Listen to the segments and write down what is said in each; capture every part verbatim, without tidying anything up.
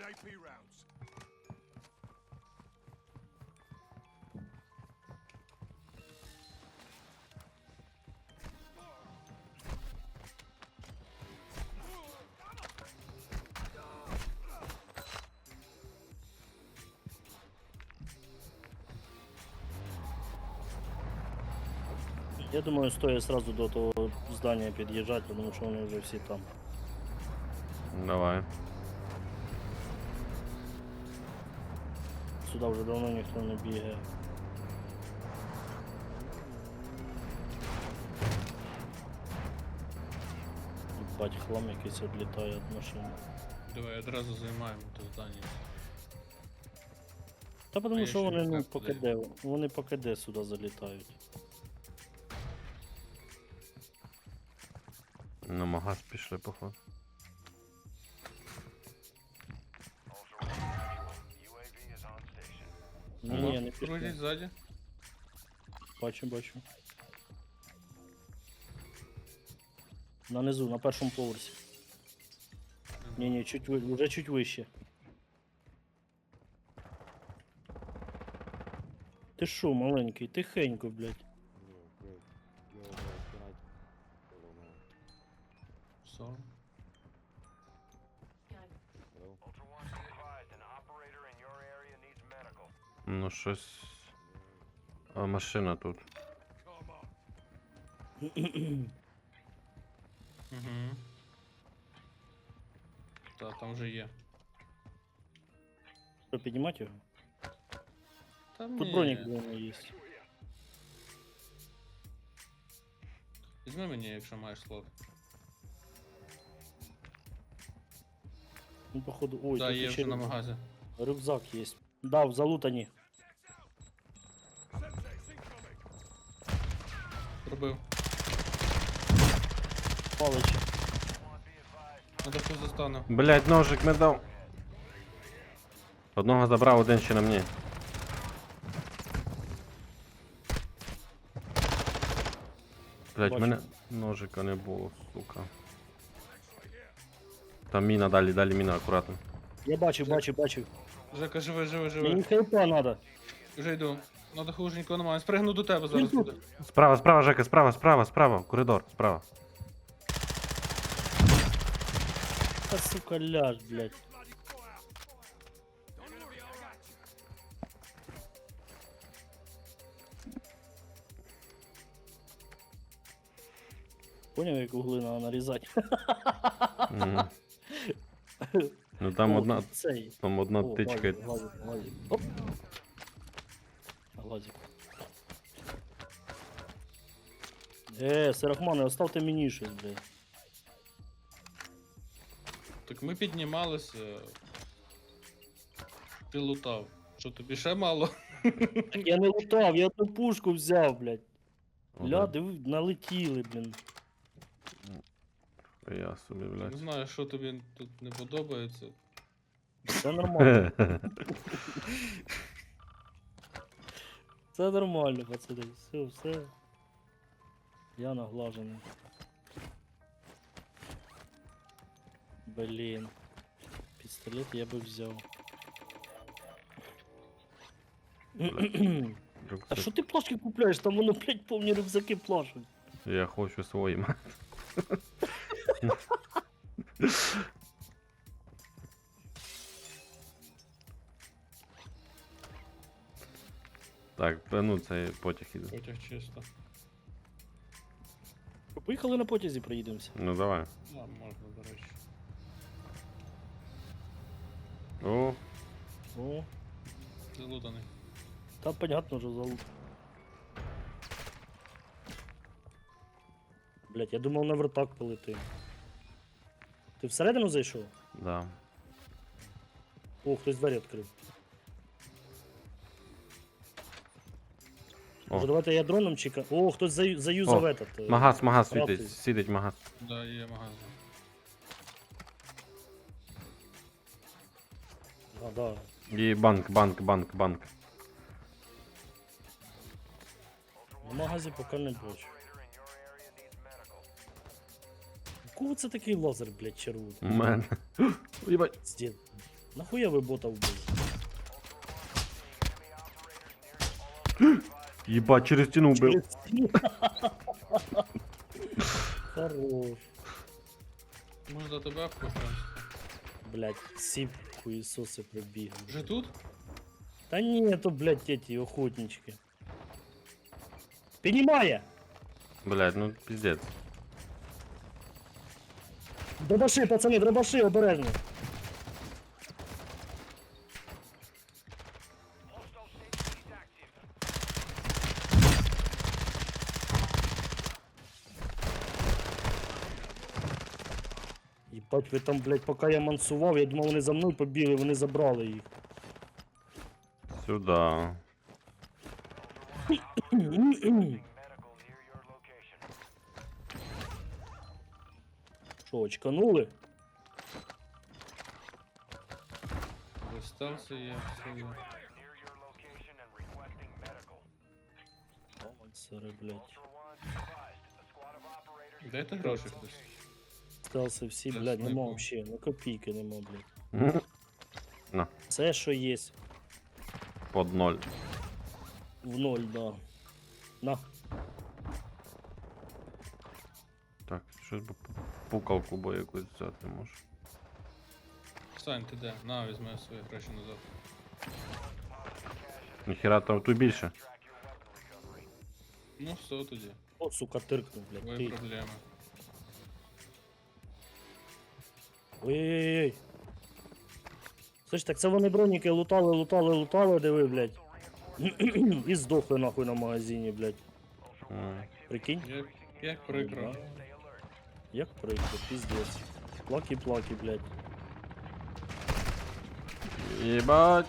Я думаю, стоит сразу до того здания подъезжать, потому что они уже все там. Давай. Сюда уже давно никто не бегает. Ебать, хлам якийсь відлітає від машини. Давай одразу займаємо то здання. Та А потому я що ще вони, не ну, знаю, по куди. КД, вони по КД сюди залітають. На магаз пішли, походу. Ні, Ага. ні, не Крутить пішли. ззаді. Бачу, бачу. Нанизу, на першому поверсі. Ні, ні, чуть ви, вже чуть вище. Ти шо, маленький, тихенько, блядь. Сором. Ну щось. А машина тут. Угу. Та, там вже є. Що, піднімати його? Там Тут ні. бронік у мене є. Візьми мені, якщо маєш слот. Ну, походу, ой, Да, тут є ще вже на рюкзак. магазі. Рюкзак є. Да, в залутані. Пробив. Паличі. Надо хто застану. Блять, ножик не дав. Одного забрав, один ще на мені. Блять, Бачу. мене ножика не було, сука. Там міна далі, далі міна, акуратно. Я бачив, бачив, бачив. Жека, живи, живи, Мені живи. хелпа надо. Вже йду. Надо хуже нікого немає. Спригну до тебе зараз Він тут. буде. Справа, справа, Жека, справа, справа, справа, коридор, справа. Та сука, ляж, блядь. Поняв, як угли треба нарізати? Мгм. Ну там О, одна, тут цей. там одна О, тичка. Глазик, глазик, глазик. Оп. Глазик. Е, Серахмане, оставте мені щось, блядь. Так ми піднімалися. Ти лутав. Що тобі ще мало? Так я не лутав, я одну пушку взяв, блядь. Ля, Ага. диви, налетіли, блін. Я собі, Не блядь. знаю, що тобі тут не подобається. Це нормально. Це нормально, пацани. Все, все. Я наглажений. Блін. Пістолет я би взяв. А Рюкзак. що ти плашки купляєш? Там воно, блядь, повні рюкзаки плашуть. Я хочу своїм. Так, та ну це потяг іде. Потяг чисто. Поїхали на потязі, проїдемося. Ну давай. А, можна, до речі. О, О, Залутаний. та понятно вже залут. Блядь, я думав на вертак полетим. Ти всередину зайшов? да. О, хтось двері відкрив. О. Може, давайте я дроном чекаю. О, хтось заю- заюзав О, этот. е, Магаз, магаз правий. світить, світить магаз. Да, є магазин. А, да. І банк, банк, банк, банк. В магазі поки не бачу. У кого це такий лазер, блядь, червоний? У мене. Єбать. Здід. Нахуя ви бота вбили? Єбать, через стіну вбив. Через стіну. Хорош. Може до тебе попадемо? Блять, всі хуєсоси прибігли. Вже тут? Та ні, то, блядь, эти охотнички. Піднімає! Блядь, ну пиздец. Дробаши, пацани, дробаши, обережно. Єбать, ви там, блядь, поки я мансував, я думав, вони за мною побігли, вони забрали їх. Сюда. Що, очканули? Достався я, все є. Сари, блядь. Дайте гроші хтось. Стався всі, Це блядь, нема снайпу. вообще, ну копійки нема, блядь. Мгм. На, Все, що є, под ноль. в ноль, да. На. Так, щось би пу- пукалку бо якусь взяти може. Сань, ти де? На, візьми свої гроші назад. Ніхера там тут більше. Ну все тоді. О, сука, тиркнув, блядь. Твої Ти. проблеми. Ой-ой-ой. Слышь, так це вони броніки лутали, лутали, лутали, диви, блядь. І здохли нахуй на магазині, блядь. М. Прикинь? Як, як прикро. Да. Як прикро, пиздец. Плаки-плаки, блядь. Єбать.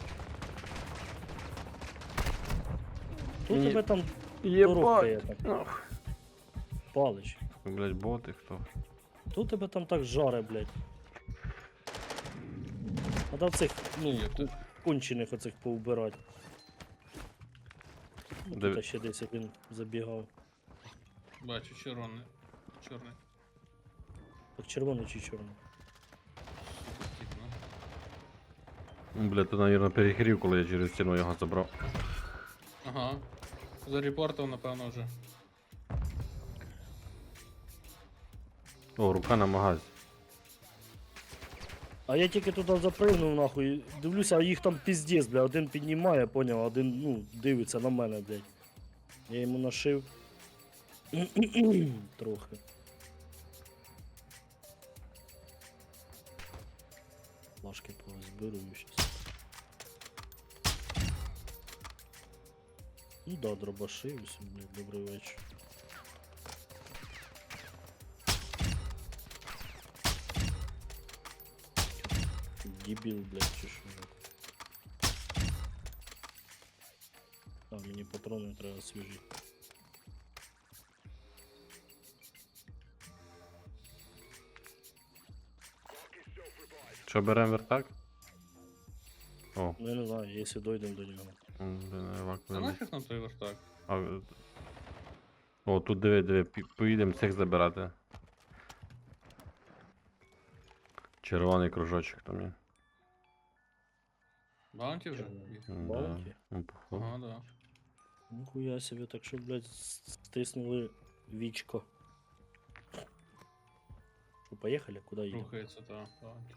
Тут Ні. тебе там Єбать. торохкає так, Ох. палич. Блять, боти хто? Тут тебе там так жаре, блядь. Надо цих, ну, Є ку- так. кончених оцих поубирати. Ну, Де- Тут ще десь один забігав. Бачу, червоний. Чорний. Так червоний чи чорний? Сука, тип, ну. Ну, Бля, ти, наверное, перехрів, коли я через стіну його забрав. Ага. Зарепортав, напевно, вже. О, рука на магазі. А я тільки туди запригнув, нахуй, дивлюся, а їх там піздець, бля, один піднімає, поняв, один, ну, дивиться на мене, блядь. Я йому нашив. Трохи. Плашки позберу щас. Ну да, дробаши, усім, блядь, добрий вечір. Дебіл, блядь, чи що? А, мені патрони треба свіжі. Що берем вертак? О, Ну я не знаю, якщо дойдемо до нього. м, блін, А евакуємо. нафіг нам той вертак? А, е, О, тут диви, диви, пі- поїдемо цих забирати. Червоний кружочок там є. Баунті вже? Червоний. М, Балки? Да. Ну, походу. Ага, да. Ніхуя собі, так що, блядь, с- стиснули вічко. Що, поїхали? Куди їдемо? Рухається, та. Баунті.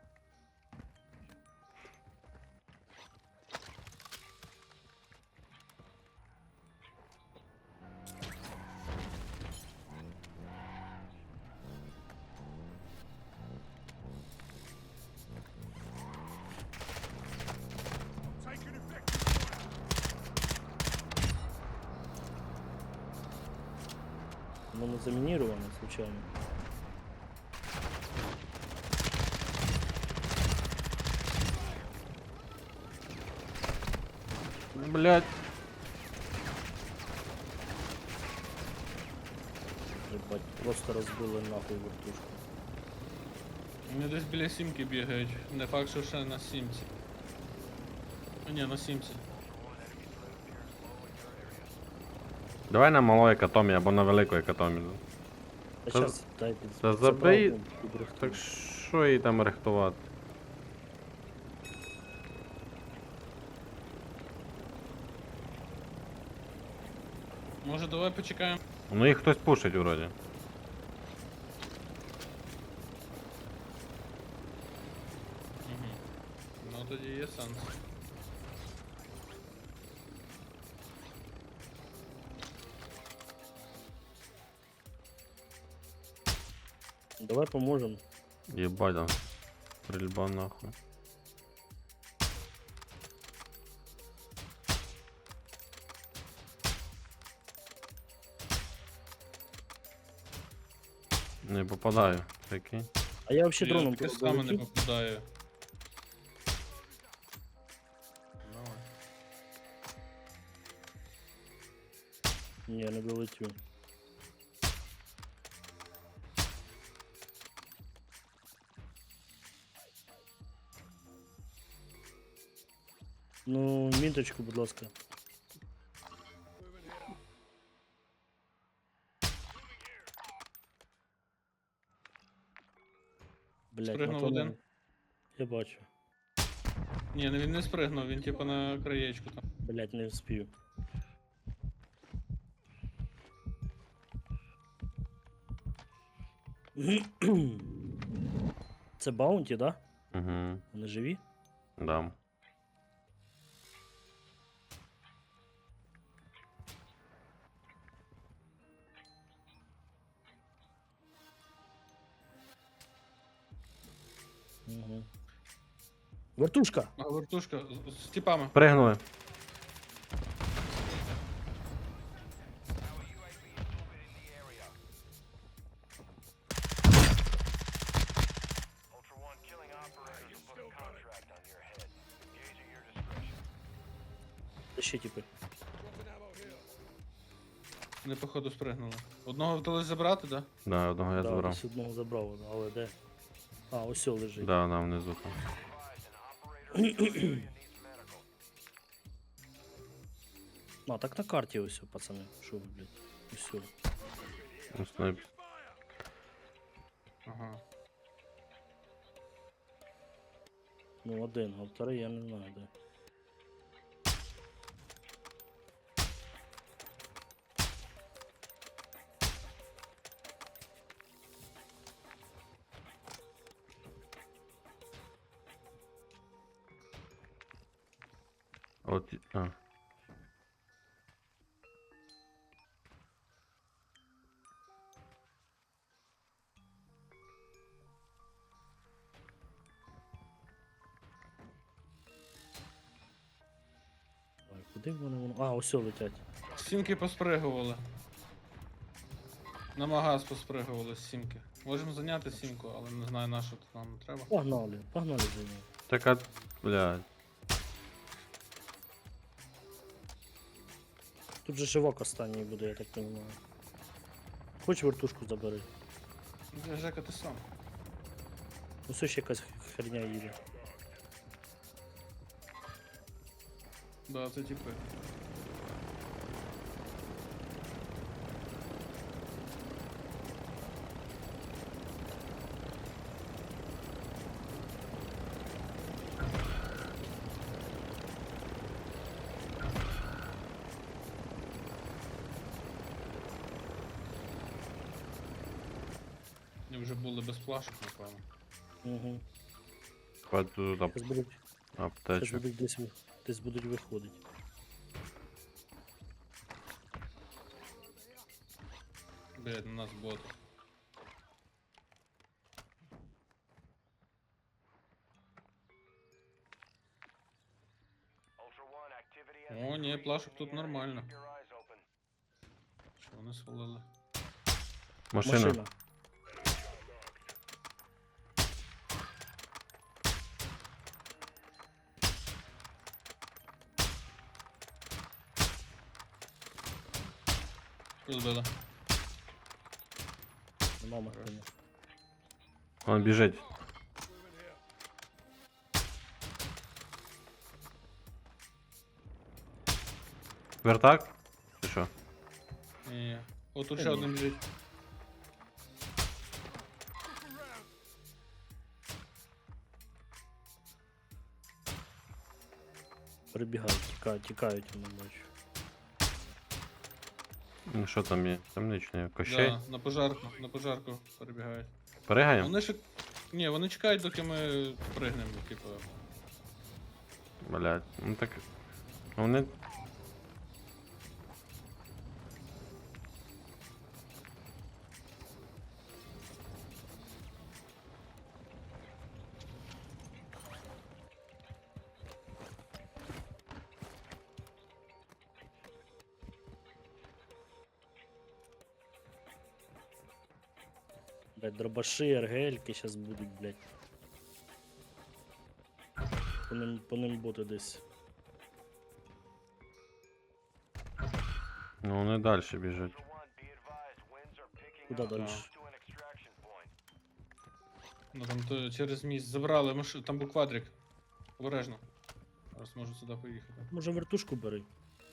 Воно замініровано, случайно. Блять. Ебать, просто розбили нахуй вертушку. Вони десь біля сімки бігають. Не факт, що ще на сімці. А, ні, на сімці. Давай на малої екатомі або на великої екатомі. Та Та- щас, дай під... та під забий- забрав, підрихтую. Так що їй там рихтувати? Може давай почекаємо. Ну їх хтось пушить вроді. Угу. Ну тоді є сенс. Давай поможем. Єбать там. Стрільба нахуй. Не попадаю, прикинь. А я вообще Я дроном таке пробую саме не летіть. попадаю. Давай. Ні, не долетю. Ну, міточку, будь ласка. Блять, Спригнув один. Я бачу. Ні, ну він не спригнув, він типу на краєчку там. Блять, не вспію. Це баунті, да? Угу. Вони живі? Да. Угу. Вертушка! А вертушка з, з тіпами. Пригнули. Ultra One, killing operators will put a contract on your head. Engage at your discretion. Де ще типи? Вони походу спригнули. Одного вдалося забрати, да? Да, одного я Да, забрав. десь одного забрав, але де? А, ось о лежить. Да, да, внизу там. Advised, an operator in the area needs medical. А, так на карті ось, о, пацани. Що ви, блядь? Ось. о. Ну, снайп. Ага. Ну, один, а второй я не знаю, де. От, і- а. Ой, куди вони воно? А, ось о летять. Сімки поспригували. На магаз поспригували з сімки. Можемо зайняти сімку, але не знаю на що тут нам треба. Погнали, погнали за ним. Так, а, блядь. Тут же живок останній буде, я так розумію. Хоч вертушку забери. Ну, Жека, ти сам. Ось ще якась херня їде. Да, це типи. Вони вже були без плашок, напевно. Угу. Хватить тут ап- Зараз будуть, щас аптечок. будуть десь, ви- десь будуть виходити. Блядь, на нас бот. Ultra One, activity has О, ні, increased плашок in тут the area. нормально. Keep your eyes open. Що вони свалили? Машина. Машина. Що збили? Нема машини. Он біжить. Вертак? Чи що? Ні. О, тут Та ще ні. один біжить. Перебігають, тікають, тікають, я не бачу. Ну, що там є? Темничний кощей. Да, на пожарку, на пожарку перебігають. Перегаємо? Вони ж. Ні, вони чекають, доки ми пригнемо, типу. Блять, ну так. Вони. Блядь, дробаши, РГЛки сейчас будуть, блядь. По ним, по ним боти десь. Ну вони далі біжать. Ultra One, be advised, winds are picking Куда up дальше? close to an extraction point. Ну там то через міст забрали, маш... там був квадрик. Обережно. Зараз можу сюди поїхати. Може вертушку бери.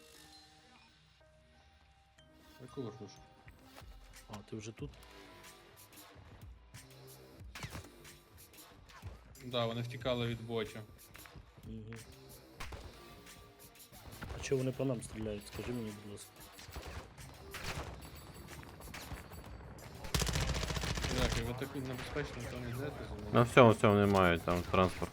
Яку верхушку? А, ти вже тут? Да, вони втікали від ботів. Угу. А чого вони по нам стріляють? Скажи мені, будь ласка. Дякую, ви так небезпечно там йдете за На мною. всьому, всьому не мають там транспорт.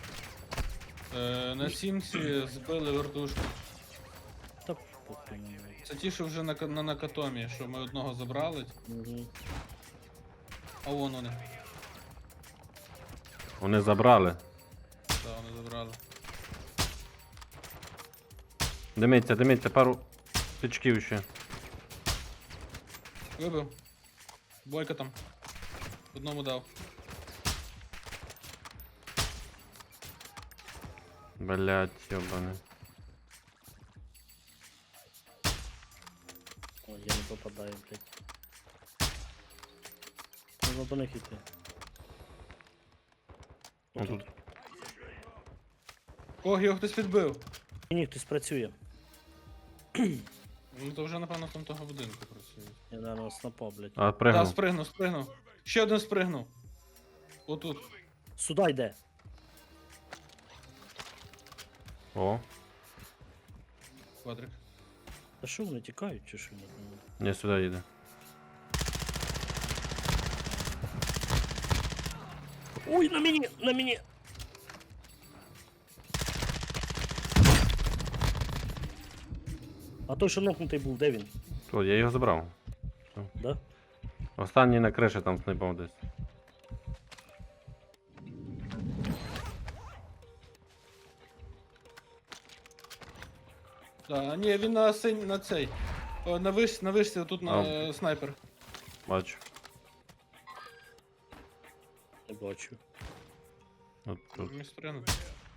Е, на сімці збили вертушку. Та похуй на мене. Це ті, що вже на, ка- на накатомі, що ми одного забрали, Угу. а вон вони. Вони забрали. Так, вони забрали. Димиться, димиться, пару тичків ще. Вибив. Бойка там. Одному дав. Блять, йобане. Ой, я не попадаю, блядь. Можна до них іти. Ну, Отут. тут. Ох, його хтось підбив. Ні, хтось працює. Ну то вже напевно там того будинку працює. Я, наверное, снапа, блядь. А, Так, пригнув. спригнув, спригнув. Ще один спригнув. Отут. Сюда йде. О, Квадрик. Та що вони тікають чи що? не сюди їде. Ой, на мені, на мені. А той, що нокнутий був, де він? То, я його забрав. Да? Останній на криші там снайпав десь. Да, а ні, він на синь, на цей. О, на виш, на вишці, тут на А. е, снайпер. Бачу. Не бачу. От тут. Міг спригнути.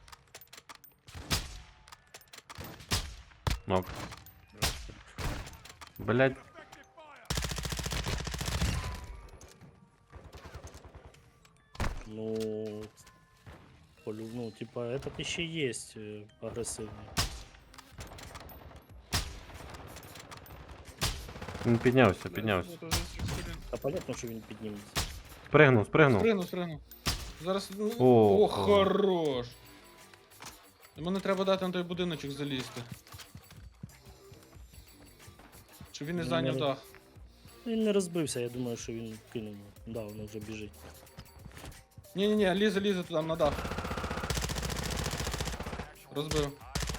Нок. Блять. Ну, полю, ну, типа, этот еще есть э, агрессивный. Він піднявся, піднявся. А понятно, що він підніметься. Спригнув, спригнув. Спригнув, спригнув. Зараз. ну, О, О, хорош. Йому не треба дати на той будиночок залізти. Щоб він не Ну, зайняв не- дах. Він не розбився, я думаю, що він кинув. Да, воно вже біжить. Ні-ні-ні, лізе, лізе туди на дах. Розбив.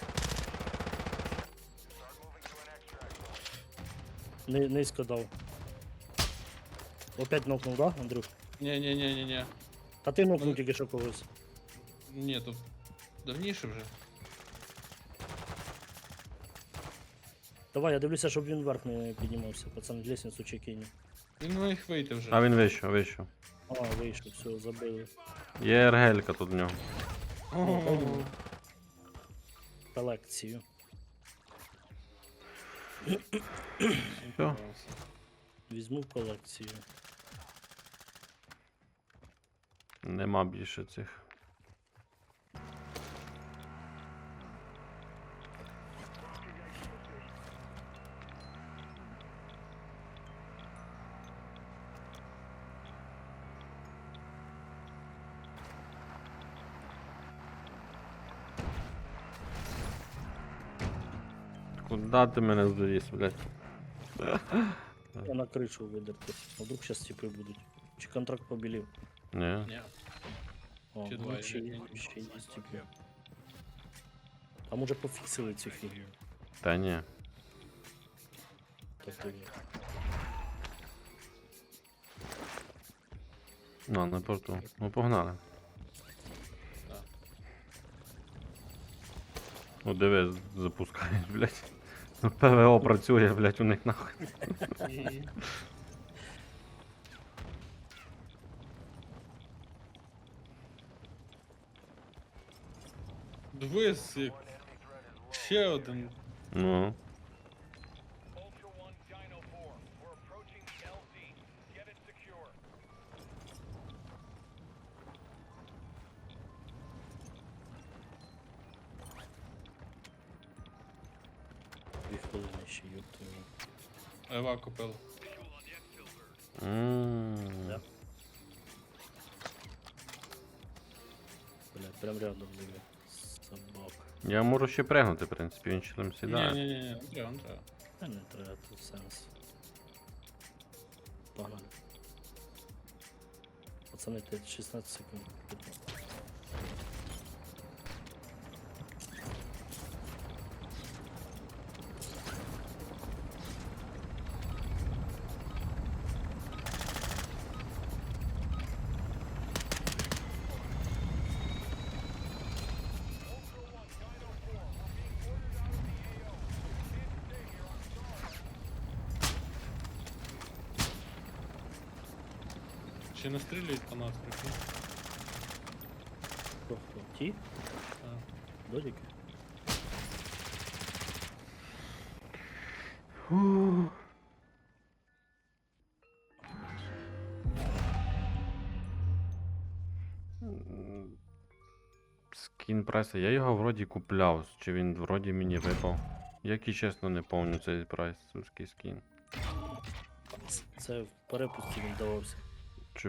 Ни- Низько дав. Опять нокнув, да, Андрюх? Ні-ні-ні-ні-ні. Та ти нокнув Ну, тільки що когось. Ні, тут давніше вже. Давай, я дивлюся, щоб він вверх не піднімався. Пацан, лестницю чи кинь. Він міг вийти вже. А він вийшов, вийшов. А, вийшов, все, забили. Є ергелька тут в нього. О, Колекцію. Все. Візьму в колекцію. Нема більше цих. Куда ти мене завіз, блядь? Я на кришу видерти. А вдруг зараз типи будуть. Чи контракт побілів? Ні. Ні. О, Чи ну, два, ще я є, не ще є типи. А може пофіксили цю фігню? Та ні. Тобто ні. Ну, на порту. Ну, погнали. Так. Ну, диви, запускаєш, блядь. Ну, ПВО працює, блядь, у них нахуй. Мгм. Дивись, як ще один. Ну. Ultra One, Dino four. We're approaching the L Z. Get it secure. Дві хвилини ще, ёпта. Ева купила. М. Да. Бля, прям рядом диви. Собак. Я можу ще пригнути, в принципі, він ще там Ні, сідає. ні, ні, ні, не треба, не треба. Та не треба тут сенс. Погнали. Пацани, ти шістнадцять секунд. Ще не стріляють по нас, прикинь. Хто хто? Ті? А. Додіки? Скін прайса, я його вроді купляв, чи він вроді мені випав. Як і чесно не пам'ятаю цей прайс, сульський скін. Це в перепусті він давався.